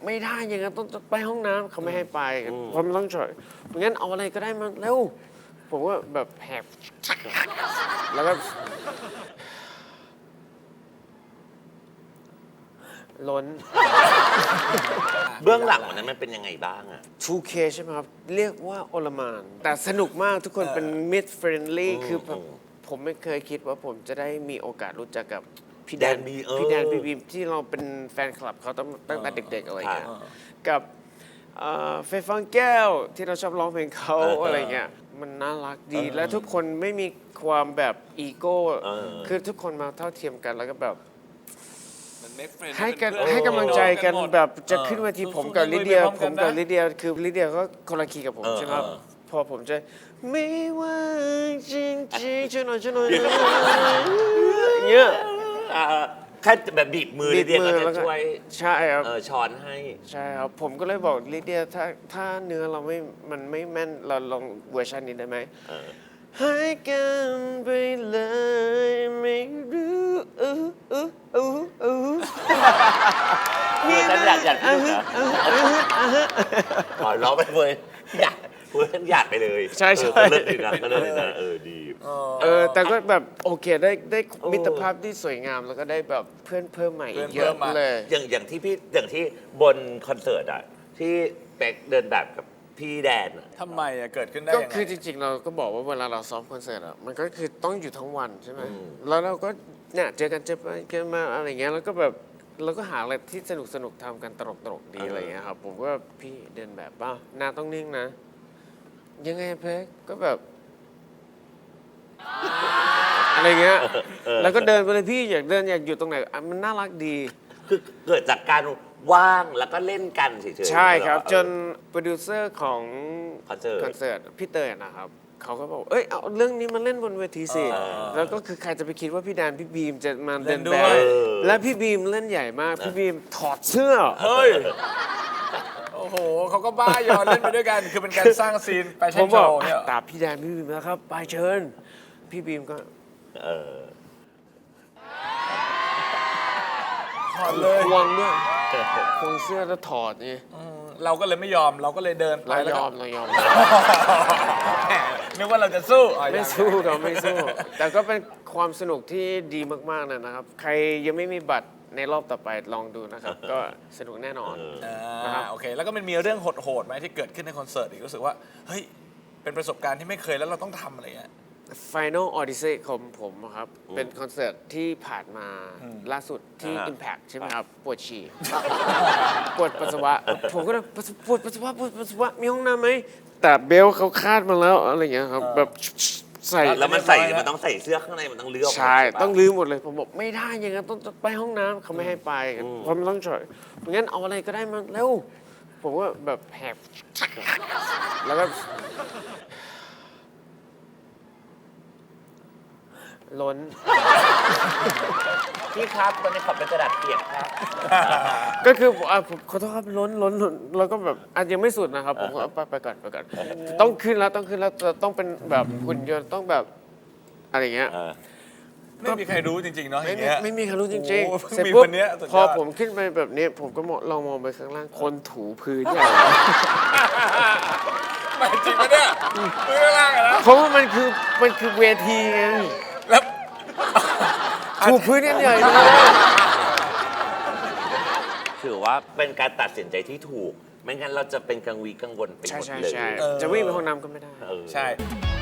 ไม่ได้ยังไงต้องไปห้องน้ำเขาไม่ให้ไปผมต้องช่วยงั้นเอาอะไรก็ได้มาเร็วผมก็แบบแหบแล้วก็ล้นเบื้องหลังวันนั้นมันเป็นยังไงบ้างอะ 2K ใช่ไหมครับ เรียกว่าโอลหม่าน แต่สนุกมากทุกคนเป็น mid friendly คือผมไม่เคยคิดว่าผมจะได้มีโอกาสรู้จักกับพี่แดนพี่บีมที่เราเป็นแฟนคลับเขาตั้งแต่เด็กๆอะไรเงี้ยกับเฟย์ฟังแก้วที่เราชอบร้องเพลงเขาอะไรเงี้ยมันน่ารักดีและทุกคนไม่มีความแบบอีโก้คือทุกคนมาเท่าเทียมกันแล้วก็แบบให้กำลังใจกันแบบจะขึ้นเวทีผมกับลิเดียคือลิเดียก็คนละคีย์กับผมใช่ไหมครับพอผมจะไม่ว่าจริงๆช่วยหน่อยเงี้ยแค่แบบบีบมือลิเดียก็จะช่วยใช่ครับช้อนให้ใช่ครับผมก็เลยบอกลิเดียถ้าเนื้อเรามันไม่แม่นเราลองเวอร์ชันนี้ได้ไหมให้กันไปเลยไม่รู้ฉันอยากพูดนะขอร้องไปเลยอยากพูดฉันอยากไปเลยใช่ก็เลิศดีนะดีแต่ก็แบบโอเคได้มิตรภาพที่สวยงามแล้วก็ได้แบบเพื่อนเพิ่มใหม่เยอะเลยอย่างที่บนคอนเสิร์ตอะที่เป็กเดินแบบกับพี่แดนทำไมเกิดขึ้นได้ก็คือจริงๆเราก็บอกว่าเวลาเราซ้อมคอนเสิร์ตมันก็คือต้องอยู่ทั้งวันใช่ไหมแล้วเราก็เนี่ยเจอกันมาอะไรเงี้ยแล้วก็แบบเราก็หาอะไรที่สนุกทำกันตลกดีอะไรเงี้ยครับผมก็พี่เดินแบบป่ะหน้าต้องนิ่งนะยังไงเพ็กก็แบบอะไรเงี้ยแล้วก็เดินไปเลยพี่อยากอยู่ตรงไหนมันน่ารักดีคือเกิดจากการว่างแล้วก็เล่นกันเฉยๆใช่ครับจนโปรดิวเซอร์ของคอนเสิร์ตพี่เตยนะครับเขาก็บอกเอาเรื่องนี้มาเล่นบนเวทีสิแล้วก็คือใครจะไปคิดว่าพี่แดนพี่บีมจะมาเดินแบบและพี่บีมเล่นใหญ่มากพี่บีมถอดเสื้อเฮ้ยโอ้โหเขาก็บ้ายอนเล่นไปด้วยกันคือเป็นการสร้างซีนไปเช่นโชว์เนี่ยตามพี่แดนพี่บีมแล้วครับไปเชิญพี่บีมก็ถอดเลยควงด้วยควงเสื้อแล้วถอดนี่เราก็เลยไม่ยอมเราก็เลยเดินไปเรายอมนึกว่าเราจะสู้ไม่สู้เราไม่สู้แต่ก็เป็นความสนุกที่ดีมากๆนะครับใครยังไม่มีบัตรในรอบต่อไปลองดูนะครับก็สนุกแน่นอนนะครับโอเคแล้วก็มันมีเรื่องโหดๆไหมที่เกิดขึ้นในคอนเสิร์ตอีกรู้สึกว่าเฮ้ยเป็นประสบการณ์ที่ไม่เคยแล้วเราต้องทำอะไรเงี้ย Final Odyssey ของผมครับเป็นคอนเสิร์ตที่ผ่านมาล่าสุดที่ Impact ใช่ไหมครับปวดฉี่ปวดปัสสาวะผมก็เลยปวดปัสสาวะมีห้องน้ำไหมแต่เบลเขาคาดมาแล้วอะไรอย่างเงี้ยครับแบบใส่แล้วมันต้องใส่เสื้อข้างในมันต้องลื้อใช่ต้องลื้อหมดเลยผมบอกไม่ได้ยังไงต้องไปห้องน้ำเขาไม่ให้ไปผมต้องช่วยงั้นเอาอะไรก็ได้มาเร็วผมก็แบบแหบแล้วก็ล้นพี่ครับตอนนี้ขอเป็นกระดาษเปียกครับก็คือผมขอโทษครับล้นแล้วก็แบบอาจยังไม่สุดนะครับผมก็ไปก่อนต้องขึ้นแล้วต้องเป็นแบบหุ่นยนต์ต้องแบบอะไรเงี้ยไม่มีใครรู้จริงๆเนาะอย่างเงี้ยไม่มีใครรู้จริงๆเสร็จปุ๊บพอผมขึ้นไปแบบนี้ผมก็ลองมองไปข้างล่างคนถูพื้นใหญ่ไม่จริงปะเนี่ยพื้นข้างล่างนะเพราะว่ามันคือเวทีไงแล้วถูพื้นใหญ่ถือว่าเป็นการตัดสินใจที่ถูกไม่งั้นเราจะเป็นกังวลไปหมดเลยใช่จะวิ่งไปห้องน้ำก็ไม่ได้ใช่